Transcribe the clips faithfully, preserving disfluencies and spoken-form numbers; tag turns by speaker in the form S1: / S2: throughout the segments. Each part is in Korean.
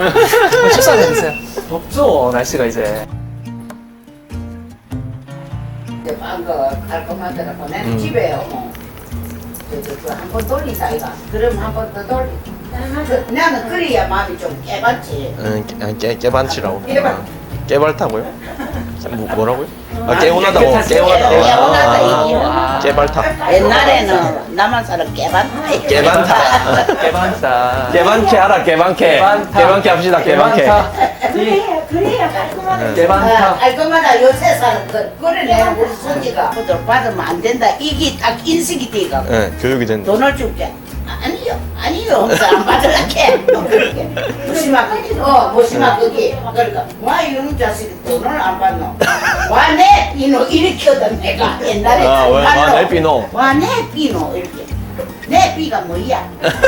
S1: 출산해 주세요. 덥죠 날씨가 이제.
S2: 이제 빵거 깔끔하더라고. 내가
S1: 음.
S2: 집에 어머 저저한번 돌리자 이가. 그럼 한 번 더 돌리. 그, 나는 그래야 마음이 좀 깨봤지.
S3: 응, 깨, 깨, 깨반치라고.
S2: 깨반.
S3: 아, 깨발타고요? 뭐, 뭐라고요? 아, 깨운하다고.
S1: 깨끗하지.
S3: 깨운하다고.
S2: 깨운하다,
S3: 아,
S2: 이게.
S3: 아, 깨발타.
S2: 옛날에는 남한 사람 깨봤다.
S3: 깨반타.
S1: 개반다.
S3: 깨반케 하라, 깨반케.
S1: 개반타.
S3: 깨반케 합시다, 깨반케.
S4: 그래야 그래야 깔끔하게.
S1: 개반타.
S2: 깔끔하다. 요새 사람 그 그래 내가 우리 손지가 그들 받으면 안 된다. 이게 딱 인식이 돼가.
S3: 네, 교육이 된다.
S2: 돈을 줄게. 아니요, 아니요. 하면서 안 받으라게. 그렇게. 무심하게. 어, 무심하게. 그러니까, 와, 이놈 자식이 돈을 안 받노. 와, 내 비노. 이렇게 하던 내가 옛날에.
S3: 아, 왜? 와,
S2: 말로.
S3: 내 비노.
S2: 와, 내 비노. 이렇게. 내 비가 뭐야?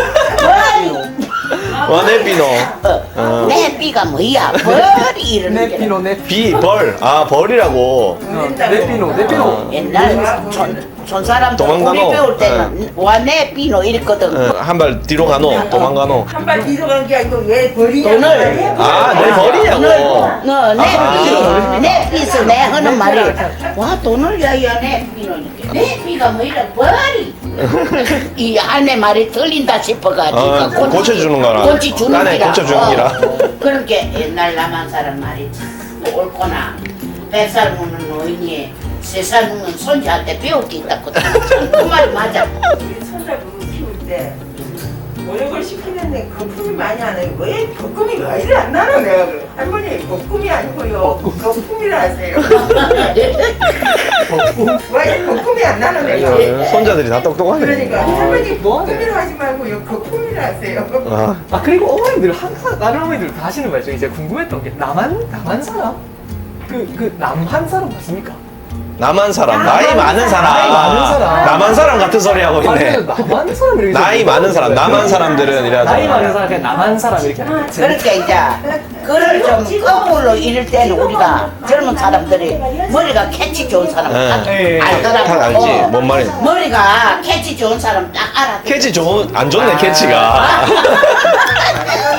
S2: 와,
S3: 와, 내 비노.
S2: 어, 내 비가 뭐야? 벌이 이러는 게.
S1: 내피노 내.
S3: 비, 벌. 아, 벌이라고.
S1: 어, 내피노 내피노.
S2: 옛날 촌, 촌 사람들
S3: 도망가노.
S2: 우리 배울 때는 와, 내 비노 이랬거든.
S3: 어, 한 발 뒤로 가노, 도망가노.
S4: 한 발 뒤로 간 게 아니고 왜 버리냐?
S2: 돈을.
S3: 아, 내 벌이냐고.
S2: 너, 내
S3: 아.
S2: 비, 내 비서 내 하는 말이 와 돈을 야야 내 비는 내 비가 뭐 이래 버리 이 할매 말이 틀린다 싶어가지고
S3: 아, 고쳐주는 거라.
S2: 고치 주는
S3: 딴에
S2: 기라
S3: 고쳐주는 기라.
S2: 그렇게 옛날 남한 사람 말이 참 옳구나. 백 살 먹는 노인이 세 살 먹는 손자한테 배울 게 있다고 그 말이 맞아.
S4: 우리 손자분 키울 때 모욕을 시키는데 거품이 많이 안 나요. 왜 거품이 왜 이리 안 나노 내가 그래. 할머니 거품이 아니고요. 거품이라 하세요. 왜 거품이 안 나노 내가.
S3: 어, 손자들이 다 똑똑하네.
S4: 그러니까
S1: 아,
S4: 할머니
S1: 뭐하네.
S4: 거품이라 하지 말고요. 거품이라 하세요.
S3: 아,
S1: 아 그리고 어머니들 항상 다른 어머니들 다 하시는 말이죠. 이제 궁금했던 게 남한 남한 사람 그 그 남한 사람 맞습니까?
S3: 남한 사람, 나이 많은 사람.
S1: 나이 많은 사람.
S3: 남한 사람 같은 소리 하고 있네.
S1: 맞아요. 남한 사람 이렇게
S3: 나이
S1: 해서
S3: 많은 사람, 남한 사람들은 이래
S1: 나이 많은
S3: 하잖아.
S1: 사람 그냥 남한 사람 이렇게 하는 거지.
S2: 그러니까 이제 그를 좀 거꾸로 이럴 때는 우리가 젊은 사람들이 머리가 캐치 좋은 사람 딱
S1: 예, 예.
S2: 알더라고.
S3: 딱 알지,
S2: 어.
S3: 뭔 말인지.
S2: 머리가 캐치 좋은 사람 딱 알아.
S3: 캐치 좋은, 안 좋네,
S1: 아.
S3: 캐치가.